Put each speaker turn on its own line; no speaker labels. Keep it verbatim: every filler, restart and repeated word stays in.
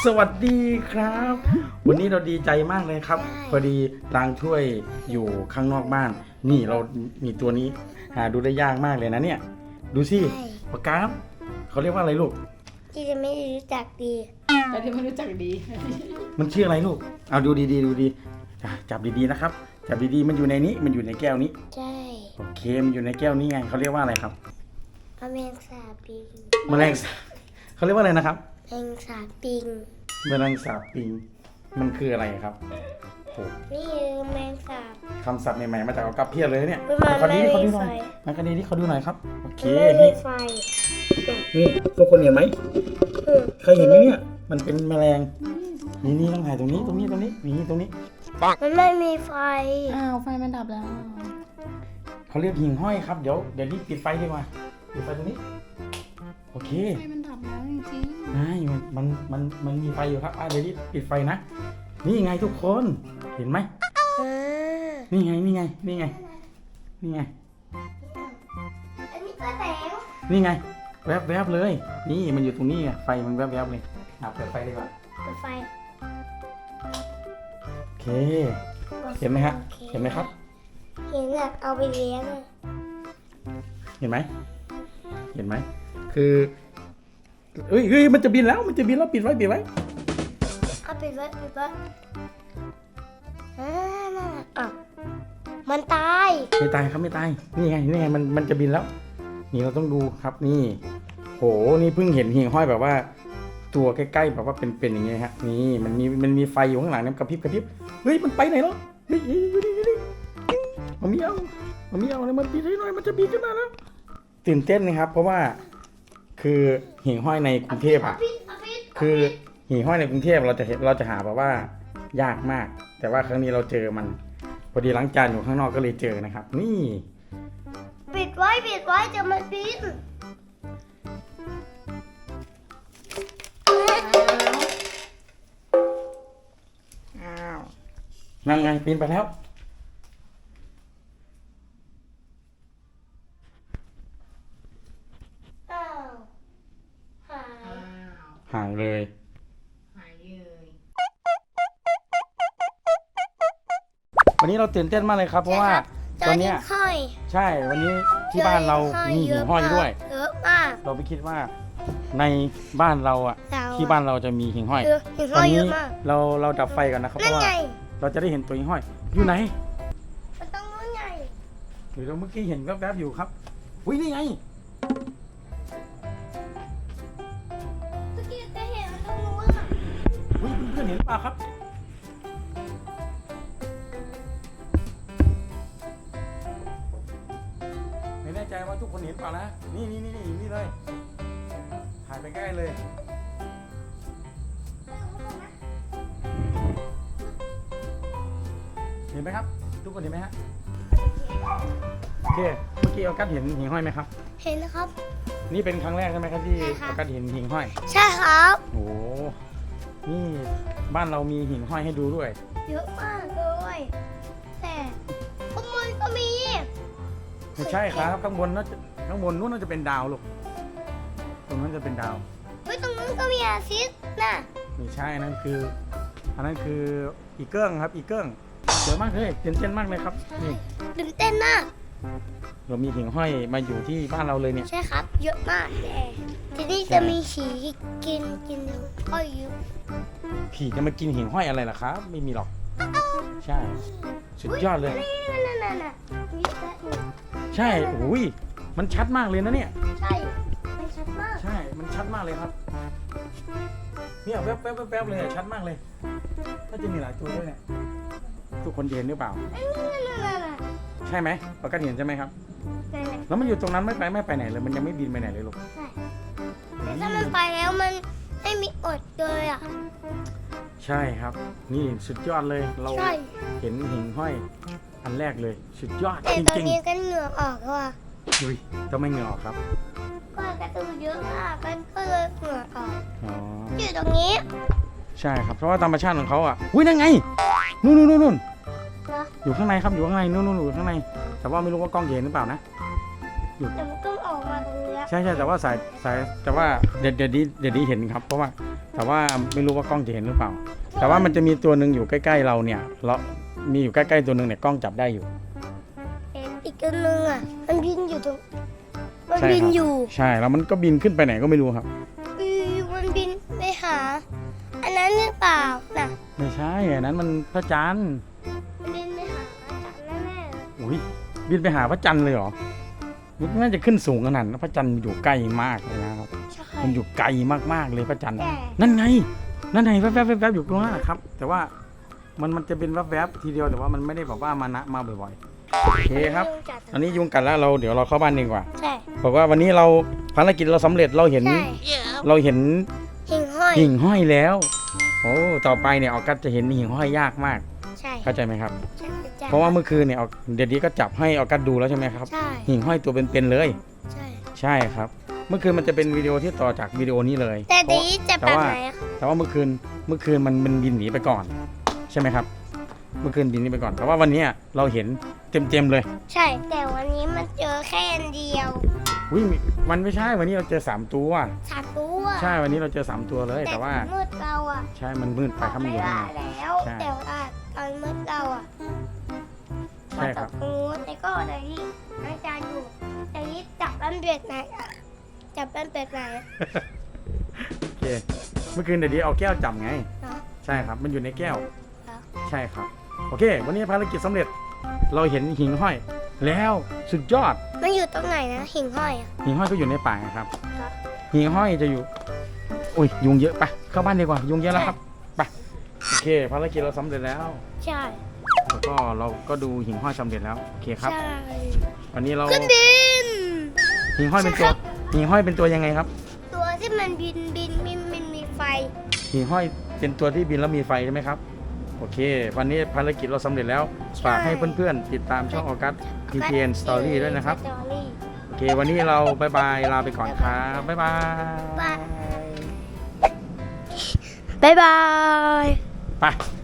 สวัสดีครับ วันนี้เราดีใจมากเลยครับพอดีล้างถ้วยอยู่ข้างนอกบ้านนี่เรามีตัวนี้หาดูได้ยากมากเลยนะเนี่ยดูสิปากกาเขาเรียกว่าอะไรลูก
ที่จะไม่รู้จักดี
แต่ที่ไม่รู้จักดี
มันชื่ออะไรลูกเอาดูดีๆดูดีอ่ะจับดีๆนะครับจับดีๆมันอยู่ในนี้มันอยู่ในแก้วนี้
ใช่
โอเคมันอยู่ในแก้วนี้ไงเขาเรียกว่าอะไรครับ
แมงสาบปิง
แมลงสาบเขาเรียกว่าอะไรนะครับ
แมงสาบปิง
แมลงสาบปิงมันคืออะไรครับโอ้
นี่คือแมงสาบ
คำศัพท์ใหม่ๆมาจากเอากับเพียบเลยเนี่ย
มัน
ขอดี
ไม่
ขอ
มี
ดูหน่อย
ไฟ
มาคดีที่เขาดูหน่อยครับโอเค
มันไม่มี
นี่
ไฟ
นี่ทุกคนเห็นไหม
อืม
เคยเห็นไหมเนี่ยมันเป็นแมลงนี่นี่ต้องถ่ายตรงนี้ตรงนี้ตรงนี้นี่ตรงนี้
มันไม่มีไฟ
อ้าวไฟมันดับแล้ว
เขาเรียกหิ่งห้อยครับเดี๋ยวเดี๋ยวรีบปิดไฟดีกว่าปิดไฟตรงนี้โอเค
ไฟมันดับแล้วจริง
ไอ้มันมันมันมันมีไฟอยู่ครับอ่ะเดี๋ยวรีบปิดไฟนะนี่ไงทุกคนเห็นไหม
อ่า
นี่ไงนี่ไงนี่ไงนี่ไง
อันนี้ก็แสง
นี่ไงแวบแวบๆเลย นี่มันอยู่ตรงนี้ไงไฟมันแวบแวบๆเลยอ่ะเปิดไฟดีกว่า
เปิดไฟ
โอเคเห็นไหมฮะเห็นไหมครับ
เห็นอยากเอาไปเลี้ยงอะ
เห็นไหมเห็นไหมคือเฮ้ยเฮ้ยมันจะบินแล้วมันจะบินแล้วปิดไว้ปิดไว้
เอาปิดไว้ปิดไว้อ่านั่นน่ะอ่ะมันตาย
ไม่ตายครับไม่ตายนี่ไงนี่ไงมันมันจะบินแล้ว นี่เราต้องดูครับนี่โหนี่เพิ่งเห็นหิ่งห้อยแบบว่า ตัวใกล้ๆแบบว่าเป็นๆอย่างเงี้ยฮะนี่มันมีมันมีไฟอยู่ข้างหลังเนี่ยกระพริบกระพริบเฮ้ยมันไปไหนแล้วเฮ้ยเฮ้ยเฮ้ยเฮ้ยเฮ้ยมันมีเอามันมีเอาอะไรมันบินให้หน่อยมันจะบินขึ้นมาแล้วตื่นเต้นนะครับ เพราะว่าคือหิ่งห้อยในกรุงเทพอ่ะ
ปิดเอาปิด
คือหิ่งห้อยในกรุงเทพเราจะเห็นเราจะหาแบบว่ายากมาก แต่ว่าครั้งนี้เราเจอมันพอดีล้างจานอยู่ข้างนอกก็เลยเจอนะครับ นี่
ปิดไว้ปิดไว้จะมันปิด
อ้าว
นั่นไงปีนไปแล้ว
อ้าวหาย
อ้าว
ห่างเลย
หายเลย
วันนี้เราตื่นเต้นมากเลยครับ เพราะว่าตอนเนี้ย
ห้อย
ใช่วันนี้ที่บ้านเรามีหิ่งห้อยด้วย
เยอะมาก
เราไม่คิดว่าในบ้านเราอ่ะ
เราอะ
ที่บ้านเราจะมีหิ่งห้อย
เยอะหิ่ง
ต
ห้
อ
อน ยเย
นี้
อะมาก
เราเราดับไฟก่อนนะครับเพ
นั่น
ราะว่า
ไง
เราจะได้เห็นตัวหิ่งห้อย อยู่ไหน
มันต้องนู่นไง
หรือเราเมื่อกี้เห็นแวบๆอยู่ครับอุ้ยนี่ไง
เมื่อกี้จะเห็นมันต้องนู่นอะ
อุ้ยเพื่อนๆเห็นหรือเปล่าครับไม่แน่ใจว่าทุกคนเห็นเปล่านะนี่นี่นี่นี่นี่เลยถ่ายไปใกล้เลยเห็นไหมครับ ทุกคนเห็นไหมฮะโอเคเมื่อกี้เอากัดเห็นหิ่งห้อยไหมครับ
เห็นนะครับ
นี่เป็นครั้งแรกใช่ไหมครับที่
ใช่ครับ
เอากัดเห็นหิ่งห้อย
ใช่ครับ
โอ้โหนี่บ้านเรามีหิ่งห้อยให้ดูด้วย
เยอะมากเลยแต่ข้างบนก็มี
ไม่ใช่ครับข้างบนน่าจะข้างบนนู้นน่าจะเป็นดาวลูกตรงนั้นจะเป็นดาว
เฮ้ยตรงนู้นก็มีอาทิตย์น่ะ
ไม่ใช่นั่นคืออันนั้นคืออีเกิ้งครับอีเกิ้งเยอะมากเลยตื่นเต้นมากเลยครับนี่
ตื่นเต้นมาก
เรามีหิ่งห้อยมาอยู่ที่บ้านเราเลยเนี่ย
ใช่ครับ เยอะมากแต่ที่นี่จะมีฉีกินกินก็เยอะ
ผีจะมากินหิ่งห้อยอะไรล่ะครับ ไม่มีหรอก ใช่สุดยอดเลย
นี่นั่นนั่นน่ะมีแค่หนึ่ง
ใช่โอ้ยมันชัดมากเลยนะเนี่ย
ใช่ไม่ชัดมาก
ใช่มันชัดมากเลยครับเนี่ยแวบแวบแวบแวบเลยอะชัดมากเลยน่าจะมีหลายตัวด้วยเนี่ยทุกคนเห็นหรือเปล่า
นั่นนั่นนั่นน่ะ
ใช่ไหมปกติเห็นใช่ไหมครับ
นั่นน่ะ
แล้วมันอยู่ตรงนั้นไม่ไปไม่ไปไหนเลยมันยังไม่บินไปไหนเลยลูก
ใช่แต่ถ้ามันไปแล้วมันไม่มีอดเลยอ่ะ
ใช่ครับ นี่สุดยอดเลยเรา
ใช่
เห็นหิ่งห้อยอันแรกเลยสุดยอด
แต่
จ
ตอน
ริง
นี้ก็เหงื่อออกแล้วอ่ะ
ๆดุยต้องไม่เหงื่อออกครับ
ก็กระตูนเยอะมากมันก็เลยเหงื่อออก
อ๋อ
อยู่ตรงนี้
ใช่ครับเพราะว่าธรรมชาติของเขาอ่ะอุ้ยนั่นไงนู่นนู่นนู่นนู่น
นะ
อยู่ข้างในครับอยู่ข้างในนู่นนู่นอยู่ข้างใน แต่ว่าไม่รู้ว่ากล้องเห็นหรือเปล่านะ
แต่มันก็ออกมาตรงนี้
ใช่ใช่แต่ว่าสายสายแต่ว่าเดี๋ยวเดี๋ยวนี้เดี๋ยวนี้เห็นครับ เพราะว่าแต่ว่าไม่รู้ว่ากล้องจะเห็นหรือเปล่า แต่ว่ามันจะมีตัวหนึ่งอยู่ใกล้ๆเราเนี่ยเรามีอยู่ใกล้ๆตัวหนึ่งเนี่ยกล้องจับได้อยู่
เห็นอีกตัวนึงอ่ะ มันบินอยู่ตรงมัน
ใช่
บิน
ครับ
อยู่
ใช่แล้วมันก็บินขึ้นไปไหนก็ไม่รู้ครับ
อือมันบินไปหา อันนั้นหรือเปล่าน่ะ
ไม่ใช่อันนั้นมันพระจันทร์
มันบินไปหาอาจารย์แน่ๆเลย
อุ้ยบินไปหาพระจันทร์เลยเหรอมันน่าจะขึ้นสูงขนาดนั้นพระจันทร์อยู่ใกล้มากเลยนะครับ
ใช่
มันอยู่ไกลมากๆเลยพระจันทร์
แต่
นั่นไงนั่นไงแวบๆแวบๆอยู่ตรงนั้นนะครับ แต่ว่ามันมันจะเป็นแวบๆทีเดียวแต่ว่ามันไม่ได้แบบว่ามานะมาบ่อยๆโอเคครับ
ยุงกัด
อันนี้ยุงกัดแล้วเราเดี๋ยวเราเข้าบ้านดีกว่า
ใช่
บอกว่าวันนี้เราภารกิจเราสำเร็จเราเห็น
ใช่
เราเห็น
หิ่งห้อย
หิ่งห้อยแล้วโอ้ต่อไปเนี่ยออกัสจะเห็นหิ่งห้อยยากมาก
ใช่
เข้าใจไหมครับ
ใช่ใช่
เพราะว่าเมื่อคืนเนี่ยเอาเดี๋ยวนี้ก็จับให้ออกัสดูแล้วใช่ไหมครับ
ใช่
หิ่งห้อยตัวเป็นๆเลย
ใช่
ใช่ครับ เมื่อคืนมันจะเป็นวิดีโอที่ต่อจากวิดีโอนี้เลย
แต่
เพราะ
ดีจะ
แต่
แบบ
ว่า
ไหนอะ
แต่ว่าเมื่อคืนเมื่อคืนมันมันบินหนีไปก่อน ใช่ไหมครับ เมื่อคืนบินหนีไปก่อน แต่ว่าวันเนี้ยเราเห็นเต็มๆเลย
ใช่ แต่วันนี้มันเจอแค่อันเดียว
อุ้ยมันไม่ใช่วันนี้เราเจอสามตัว
สามตัว
ใช่วันนี้เราเจอสามตัวเลย แต่ว่า
มืดเราอะ
ใช่มันมืดไปครับมัน
ไม่
อยู่ข้าง
ได้
ใน
แล้ว
ใช่
แต่ว่าตอนมืดเราอะ
ใช่ครับ
ตรงนู้นแต่ก็แต่ที่อาจารย์อยู่แต่ที่จับมันเบ็ดไหนอะจับมันเบ็ดไหนอะ
โอเค เมื่อคืนเดี๋ยวนี้เอาแก้วจับไง
เนาะ
ใช่ครับ มันอยู่ในแก้ว
เหรอ
ใช่ครับ โอเค วันนี้ภารกิจสำเร็จ เราเห็นหิ่งห้อย แล้วสุดยอด
มันอยู่ตรงไหนนะหิ่งห้อยอะ
หิ่งห้อยก็อยู่ในป่าครับ
ครับ
หิ่งห้อยจะอยู่ อุ้ยยุงเยอะไปเข้าบ้านดีกว่า ยุงเยอะแล้วครับ ไป โอเค ภารกิจเราสำเร็จแล้ว
ใช่
แล้วก็เราก็ดูหิ่งห้อยสำเร็จแล้ว โอเคครับ
ใช่
วันนี้เรา
ขึ้นบิน
หิ่งห้อยเป็นตัว หิ่งห้อยเป็นตัวยังไงครับ
ตัวที่มันบินบินบินบินมีไฟ
หิ่งห้อยเป็นตัวที่บินแล้วมีไฟใช่ไหมครับ โอเค วันนี้ภารกิจเราสำเร็จแล้ว ฝากให้เพื่อนๆ ติดตามช่องออกัส พี ที เอ็น Story ด้วยนะครับ
สตอรี่
โอเค วันนี้เราบายบาย ลาไปก่อนครับ บ๊ายบาย
บาย บ๊ายบาย
ไป